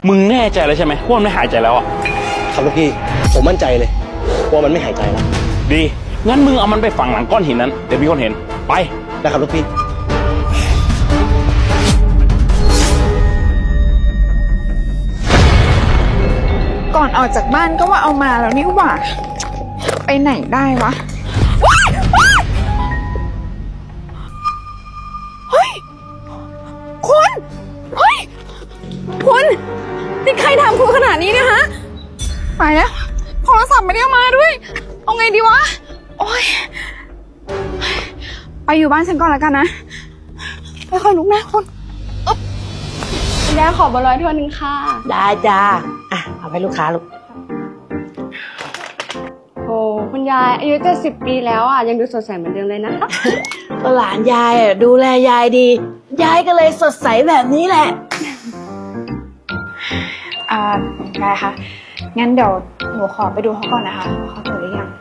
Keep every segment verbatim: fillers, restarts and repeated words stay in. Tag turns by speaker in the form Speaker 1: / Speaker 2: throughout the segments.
Speaker 1: มึงแน่ใจเลยใช่ไหมว่ามันไม่หายใจแล้วอ่ะ
Speaker 2: ครับลูกพี่ผมมั่นใจเลยว่ามันไม่หายใจแล้ว
Speaker 1: ดีงั้นมึงเอามันไปฝังหลังก้อนหินนั้นเดี๋ยวมีคนเห็นไป
Speaker 2: นะครับลูกพี่
Speaker 3: ก่อนออกจากบ้านก็ว่าเอามาแล้วนี่หว่าไปไหนได้วะเฮ้ยคุณเฮ้ยคุณนี่ใครทำคุณขนาดนี้เนี่ยฮะไปแล้วโทรศัพท์ไม่ได้เอามาด้วยเอาไงดีวะโอ๊ยไปอยู่บ้านฉันก่อนแล้วกันนะไม่ค่อยลุกนะคุณ
Speaker 4: คุณยายขอเบอร์ร้อยถ้วยหนึ่งค่ะ
Speaker 5: ได้จ้าอ่ะเอาไปลูกค้าลูก
Speaker 4: โอ้คุณยายอายุเจ็ดสิบปีแล้วอ่ะยังดูสดใสเหมือนเดิมเลยนะคะ
Speaker 5: ก็หลานยายอ่ะดูแลยายดียายก็เลยสดใสแบบนี้แหละ
Speaker 3: อ่าได้ค่ะงั้นเดี๋ยวหนูขอไปดูเขาก่อนนะคะว่าเขาตื่นหรือยัง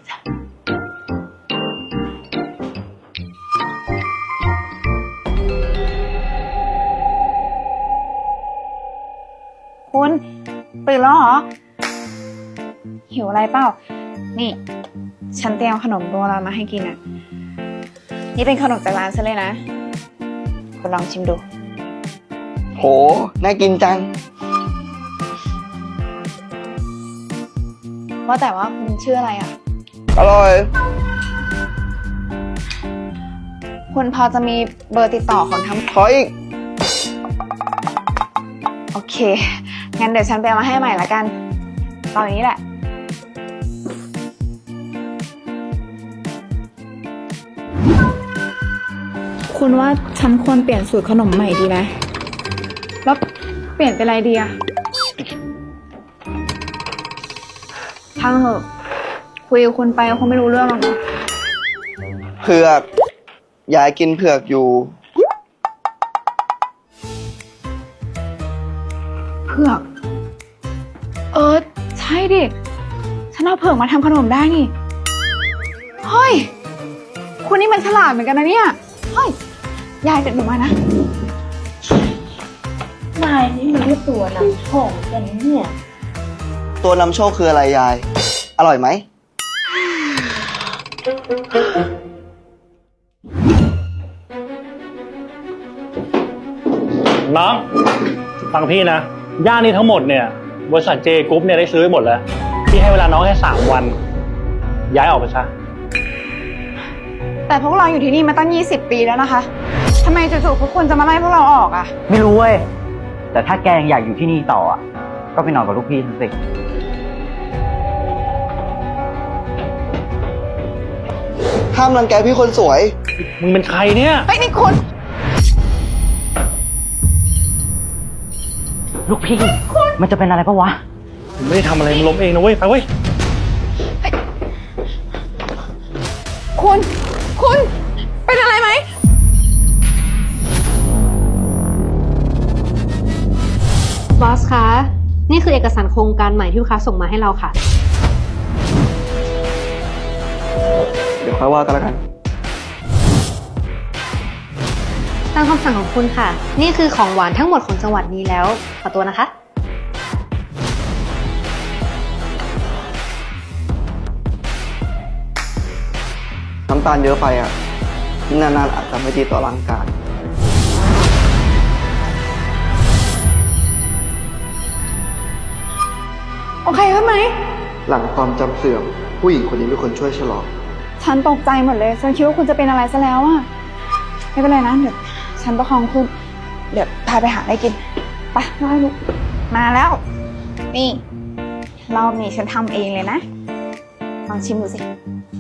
Speaker 3: คุณตื่นแล้วเหรอหิวอะไรเปล่านี่ฉันเตรียมขนมโบราณมาให้กินอ่ะนี่เป็นขนมจากร้านฉันเลยนะคุณลองชิมดู
Speaker 2: โหน่ากินจัง
Speaker 3: ว่าแต่ว่าคุณชื่ออะไรอ่ะ
Speaker 2: อร่อย
Speaker 3: คุณพอจะมีเบอร์ติดต่อของทั้ง
Speaker 2: ขออีก
Speaker 3: โอเคงั้นเดี๋ยวฉันไปเอามาให้ใหม่ละกันตอนนี้แหละคุณว่าฉันควรเปลี่ยนสูตรขนมใหม่ดีไหมแล้วเปลี่ยนเป็นอะไรดีอะช่างเหอะคุยกับคุณไปคงไม่รู้เรื่องหรอกนะ
Speaker 2: เผือกยายกินเผือกอยู่
Speaker 3: เผือกเออใช่ดิฉันเอาเผือกมาทำขนมได้นี่เฮ้ยคุณนี่มันฉลาดเหมือนกันนะเนี่ยเฮ้ยยายเด็ดหนูมานะ
Speaker 5: นายนี่มันเรียกตัวนำโชคกันเนี่ย
Speaker 2: ตัวนำโชคคืออะไรยายอร่อยไหม
Speaker 6: น้องฟังพี่นะย่านนี้ทั้งหมดเนี่ยบริษัทเจกรุ๊ปเนี่ยได้ซื้อไปหมดแล้วพี่ให้เวลาน้องแค่สามวันย้ายออกไปซะ
Speaker 3: แต่พวกเราอยู่ที่นี่มาตั้งยี่สิบปีแล้วนะคะทำไมจู่ๆพวกคุณจะมาไล่พวกเราออกอ่ะ
Speaker 7: ไม่รู้เว้ยแต่ถ้าแกยังอยากอยู่ที่นี่ต่ออ่ะก็ไปนอนกับลูกพี่ทั้งสิ
Speaker 2: ห้ามรังแกพี่คนสวย
Speaker 6: มึงเป็นใครเนี่ย
Speaker 3: เฮ้ยนี่คุณ
Speaker 7: ลูกพี่มันจะเป็นอะไรปะวะ
Speaker 6: มึงไม่ได้ทำอะไรมึงล้มเองนะเว้ยไปเว้ย
Speaker 3: คุณคุณเป็นอะไรไหม
Speaker 4: บอสคะนี่คือเอกสารโครงการใหม่ที่ลูกค้าส่งมาให้เราค่ะ
Speaker 2: เดี๋ยวค่อยว่ากันแล้วกัน
Speaker 4: ตามคำสั่งของคุณค่ะนี่คือของหวานทั้งหมดของจังหวัดนี้แล้วขอตัวนะคะ
Speaker 2: น้ำตาลเยอะไปอ่ะนานๆอาจจะไม่ดีต่อร่างกาย
Speaker 3: โอเคขึ้นไหม
Speaker 2: หลังความจำเสื่อมผู้หญิงคนนี้เป็นคนช่วยฉลอง
Speaker 3: ฉันตกใจหมดเลยฉันคิดว่าคุณจะเป็นอะไรซะแล้วอะไม่เป็นไรนะเดี๋ยวฉันประคองคุณเดี๋ยวพาไปหาอะไรกินไปน้อยลูกมาแล้วนี่รอบนี้ฉันทำเองเลยนะลองชิมดูสิ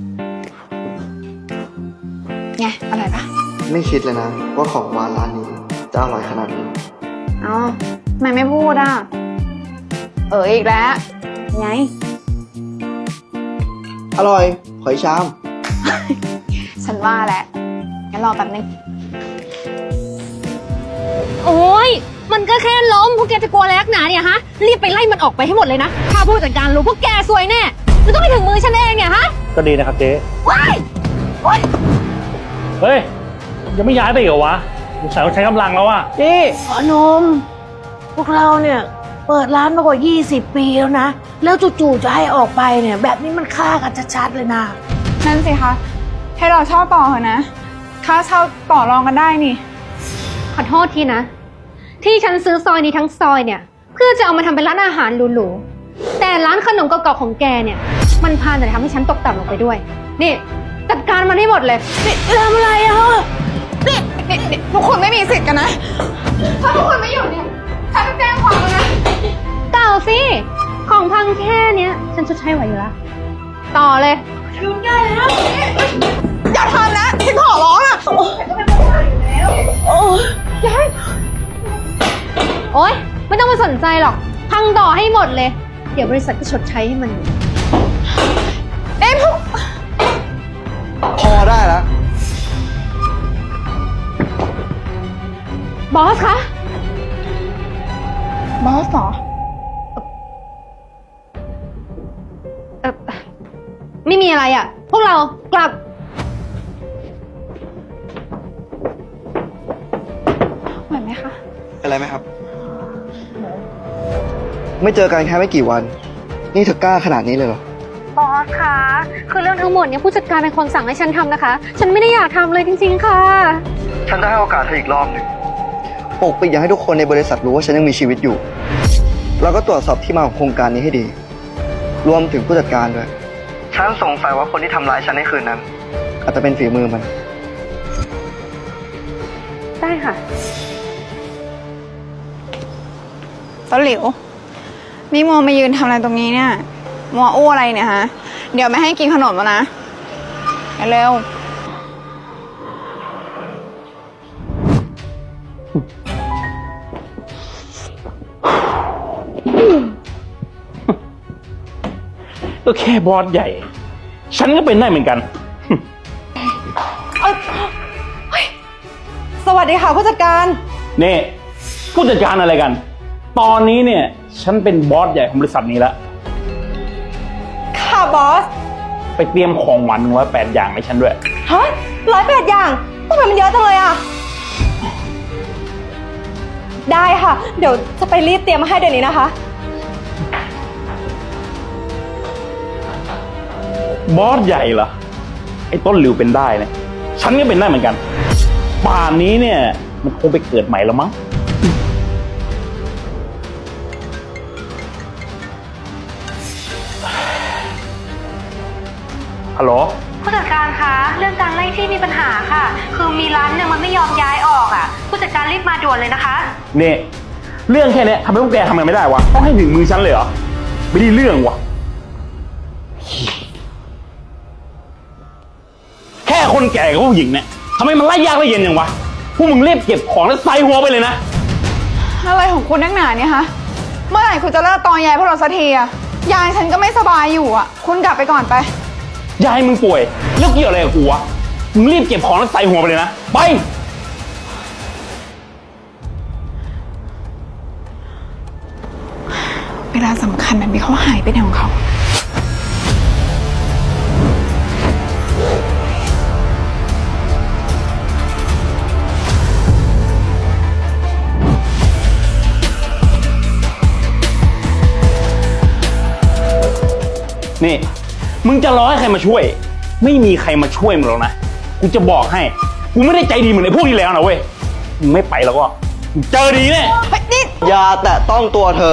Speaker 3: ไงอร่อยปะ
Speaker 2: ไม่คิดเลยนะว่าของหวานร้านนี้จะอร่อยขนาดนี้
Speaker 3: อ๋อทำไมไม่พูดอ่ะเอออีกแล้วไง
Speaker 2: อร่อยหอยชาม
Speaker 3: ฉันว่าแหละงั้นรอแป๊บนึง
Speaker 4: โอ้ยมันก็แค่ล้มพวกแกจะกลัวอะไรนักหนาเนี่ยฮะรีบไปไล่มันออกไปให้หมดเลยนะถ้าผู้จัดการรู้พวกแกซวยแน่มันต้องไปถึงมือฉันเองเนี่ยฮะ
Speaker 6: ก็ดีนะครับเจ๊
Speaker 4: ว้ายว้าย
Speaker 6: เฮ้ยยังไม่ย้ายไปอีกเหรอวะสงสัยต้องใช้กำลังแล้วอ่ะ
Speaker 5: นี่ขอนมพวกเราเนี่ยเปิดร้านมากว่ายี่สิบปีแล้วนะ แล้วจู่ๆจะให้ออกไปเนี่ย แบบนี้มันฆ่ากันชัดๆเลยนะ
Speaker 3: นั่นสิคะ ให้เราเช่าต่อเถอะนะ ค่าเช่าต่อรองกันได้นี่
Speaker 4: ขอโทษทีนะ ที่ฉันซื้อซอยนี้ทั้งซอยเนี่ย เพื่อจะเอามาทำเป็นร้านอาหารหรูๆแต่ร้านขนมเก่าๆของแกเนี่ย มันพาแต่ทำให้ฉันตกต่ำลงไปด้วย นี่จัดการมันให้หมดเลย
Speaker 5: นี่ทำอะไรอ่ะ
Speaker 3: นี่นี่นี่ทุกคนไม่มีสิทธิ์กันนะ ถ้าทุกคนไม่อยู่เนี่ย ฉันจะแจ้งความแล้วนะ
Speaker 4: เก่าสิ ของพังแค่เนี้ย ฉันชดใช้ไหวอยู่แล้ว ต่อเลย
Speaker 3: อย่าทำนะ ฉันขอร้องอ่ะ
Speaker 4: โอ๊ย ไม่ต้องมาสนใจหรอก พังต่อให้หมดเลย เดี๋ยวบริษัทก็ชดใช้ให้มัน
Speaker 3: เอ็ม
Speaker 2: พอได้แล้ว
Speaker 4: บอสคะ
Speaker 3: บอสเหรอ
Speaker 4: เออไม่มีอะไรอ่ะ พวกเรากลับ
Speaker 3: ไหวไหมคะ
Speaker 2: เป็นไรไหมครับ ไม่เจอกันแค่ไม่กี่วัน นี่เธอกล้าขนาดนี้เลยเหรอ
Speaker 4: บอสคะ คือเรื่องทั้งหมดเนี่ยผู้จัดการเป็นคนสั่งให้ฉันทำนะคะ ฉันไม่ได้อยากทำเลยจริงๆค่ะ
Speaker 2: ฉันจะให้โอกาสเธออีกรอบหนึ่งปกปิดอย่าให้ทุกคนในบริษัทรู้ว่าฉันยังมีชีวิตอยู่ แล้วก็ตรวจสอบที่มาของโครงการนี้ให้ดี รวมถึงผู้จัดการด้วย ฉันสงสัยว่าคนที่ทำร้ายฉันในคืนนั้น อาจจะเป็นฝีมือมัน
Speaker 4: ได้ค่ะ
Speaker 3: ต้นหลิว นี่มัวมายืนทำอะไรตรงนี้เนี่ยมัวอู้อะไรเนี่ยฮะ เดี๋ยวไม่ให้กินขนมแล้วนะไปเร็ว
Speaker 1: ก็แค่บอสใหญ่ ฉันก็เป็นได้เหมือนกัน
Speaker 8: สวัสดีค่ะผู้จัดการ
Speaker 1: นี่ผู้จัดการอะไรกัน ตอนนี้เนี่ย ฉันเป็นบอสใหญ่ของบริษัทนี้แล้ว
Speaker 8: ค่ะบอส
Speaker 1: ไปเตรียมของหวานหนึ่งร้อยแปดอย่างให้ฉันด้วย
Speaker 8: ฮะร้อยแปดอย่างทำไมมันเยอะจังเลยอ่ะ ได้ค่ะ เดี๋ยวจะไปรีบเตรียมมาให้เดี๋ยวนี้นะคะ
Speaker 1: บอสใหญ่เหรอ ไอ้ต้นหลิวเป็นได้เนี่ย ฉันก็เป็นได้เหมือนกัน ป่านนี้เนี่ย มันคงไปเกิดใหม่แล้วมั้ง ฮัลโหล
Speaker 4: ผู้จัดการคะ เรื่องการไล่ที่มีปัญหาค่ะ คือมีร้านเนี่ยมันไม่ยอมย้ายออกอ่ะ ผู้จัดการรีบมาด่วนเลยนะคะ
Speaker 1: นี่ เรื่องแค่เนี้ยทำให้พวกแกทำกันไม่ได้วะ ต้องให้ถึงมือฉันเลยเหรอ ไม่ได้เรื่องวะ แค่คนแก่กับผู้หญิงเนี่ยทำไมมันไล่ยากไล่เย็นอย่างวะ พวกมึงรีบเก็บของแล้วใส่หัวไปเลยนะ
Speaker 3: อะไรของคุณนักหนาเนี่ยฮะ เมื่อไหร่คุณจะเลิกตอนยายพวกเราสักทีอะยายฉันก็ไม่สบายอยู่อะคุณกลับไปก่อนไป
Speaker 1: ยายมึงป่วยแล้วเกี่ยวอะไรกับกูวะ มึงรีบเก็บของแล้วใส่หัวไปเลยนะ ไป
Speaker 3: เวลาสำคัญแบบนี้เขาหายไปไหนของเขา
Speaker 1: นี่ มึงจะรอให้ใครมาช่วย ไม่มีใครมาช่วยมึงหรอกนะ กูจะบอกให้ กูไม่ได้ใจดีเหมือนไอ้พวกนี้แล้วนะเว้ย มึงไม่ไปแล้วก็มึงเจอดีแน่
Speaker 2: อย่าแตะต้องตัวเธอ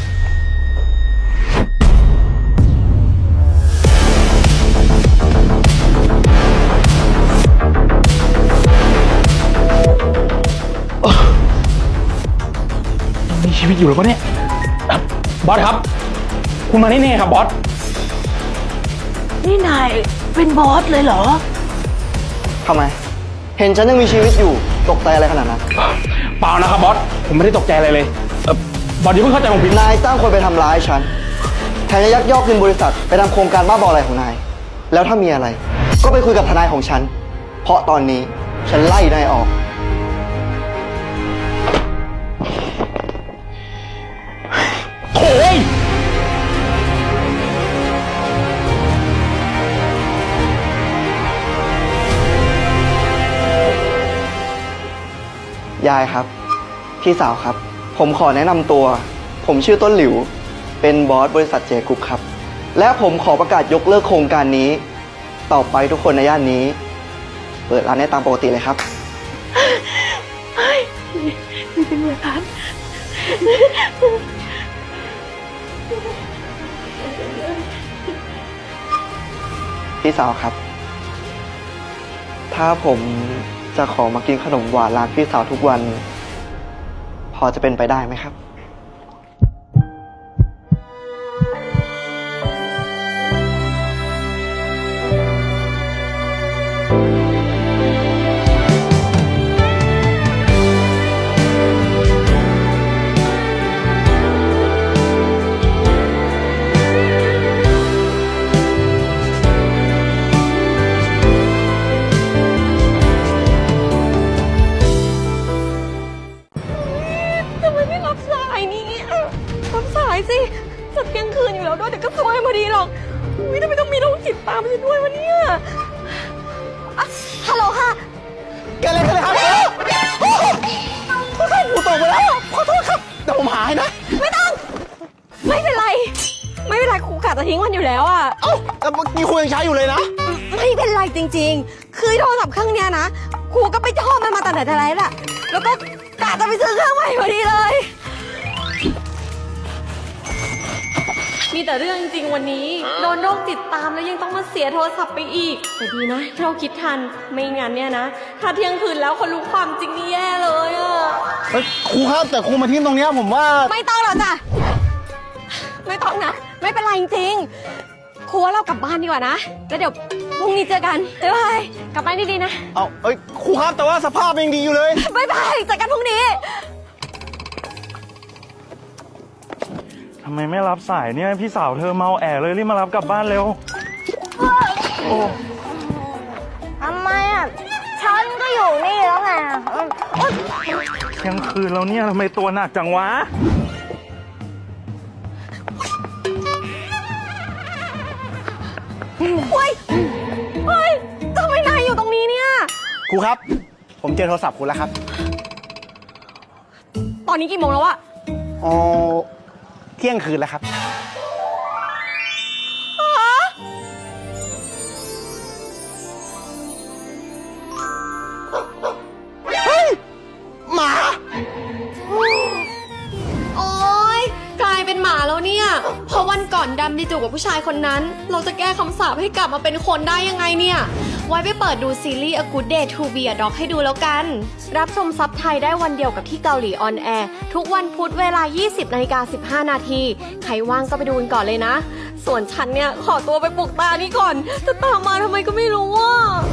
Speaker 1: มีชีวิตอยู่แล้วปะเนี่ยอ่ะบอสครับ คุณมาแน่ๆครับบอส
Speaker 5: นี่นายเป็นบอสเลยเหรอ
Speaker 2: ทำไม เห็นฉันยังมีชีวิตอยู่ ตกใจอะไรขนาดนั้น
Speaker 1: เปล่านะครับบอส ผมไม่ได้ตกใจอะไรเลยเอ่อบอสอย่าเพิ่งเข้าใจผมผิด
Speaker 2: นายจ้างคนไปทำร้ายฉัน แถมยังยักยอกเงินบริษัทไปทำโครงการบ้าบออะไรของนาย แล้วถ้ามีอะไร ก็ไปคุยกับทนายของฉัน เพราะตอนนี้ฉันไล่นายออก
Speaker 1: โถ่เอ้ย
Speaker 2: ยายครับ พี่สาวครับ ผมขอแนะนำตัวผมชื่อต้นหลิว เป็นบอสบริษัทเจกรุ๊ปครับ และผมขอประกาศยกเลิกโครงการนี้ ต่อไปทุกคนในย่านนี้ เปิดร้านได้ตามปกติเลยครับ
Speaker 5: ไม่เป็นไรครับ
Speaker 2: พี่สาวครับ ถ้าผมจะขอมากินขนมหวานร้านพี่สาวทุกวัน พอจะเป็นไปได้ไหมครับ
Speaker 8: ทำไมไม่รับสายนี้รับสายสิจะเที่ยงคืนอยู่แล้วด้วยเดี๋ยวก็ซวยพอดีหรอกอุ้ยทำไมต้องมีโรคจิตตามฉันด้วยวะเนี่ยอ่ะฮัลโหลค่ะ
Speaker 2: เกิดอะไรขึ้นเลยครับหูตกไปแล้ว ขอโทษครับ เดี๋ยวผมหาให้นะ
Speaker 8: ไม่ต้อง ไม่เป็นไร ไม่เป็นไรครูกะจะทิ้งมันอยู่แล้วอ่ะ
Speaker 2: เอ้าแต่เมื่อกี้คุยยังใช้อยู่เลยนะ
Speaker 8: ไม่เป็นไรจริงๆ คือโทรศัพท์เครื่องเนี้ยนะครูก็ไปชอบมันมาแต่ไหนแต่ไรแหละแล้วก็กะจะไปซื้อเครื่องใหม่พอดีเลย มีแต่เรื่องจริงวันนี้ โดนโรคติดตามแล้วยังต้องมาเสียโทรศัพท์ไปอีก แต่ดีนะที่เราคิดทัน ไม่งั้นเนี่ยนะ ถ้าเที่ยงคืนแล้วคนรู้ความจริงนี่แย่เลยอะ
Speaker 2: เฮ้ยครูครับแต่ครูมาทิ้งตรงเนี้ยผมว่า
Speaker 8: ไม่ต้องหรอกจ้ะ ไม่ต้องนะ ไม่เป็นไรจริงๆครูว่าเรากลับบ้านดีกว่านะ แล้วเดี๋ยวพรุ่งนี้เจอกันบ๊ายบายกลับบ้านดีๆนะ
Speaker 2: เอาเอ้ยครูครับแต่ว่าสภาพยังดีอยู่เลย
Speaker 8: บ๊ายบายเจอกันพรุ่งนี้
Speaker 6: ทำไมไม่รับสายเนี่ย พี่สาวเธอเมาแอเลยรีบมารับกลับบ้านเร็ว
Speaker 5: ทำไมอ่ะ ฉันก็อยู่นี่แล้วไง
Speaker 6: เที่ยงคืนแล้วเนี่ยทำไมตัวหนักจังวะ
Speaker 8: เฮ้ย เฮ้ยทำไมนายอยู่ตรงนี้เนี่ย
Speaker 2: ครูครับ ผมเจอโทรศัพท์คุณแล้วครับ
Speaker 8: ตอนนี้กี่โมงแล้วอะ
Speaker 2: อ๋อ เที่ยงคืนแล้วครับ เฮ้ย หมา
Speaker 8: โอ๊ยกลายเป็นหมาแล้วเนี่ย เพราะวันก่อนดำดีจูบกับผู้ชายคนนั้น เราจะแก้คำสาปให้กลับมาเป็นคนได้ยังไงเนี่ย ไว้ไปเปิดดูซีรีส์ A Good Day to Be a Dog ให้ดูแล้วกัน รับชมซับไทยได้วันเดียวกับที่เกาหลีออนแอร์ทุกวันพุธเวลา ยี่สิบนาฬิกาสิบห้านาที ใครว่างก็ไปดูกันก่อนเลยนะ ส่วนฉันเนี่ยขอตัวไปปลุกตานี่ก่อน จะตามมาทำไมก็ไม่รู้อ่ะ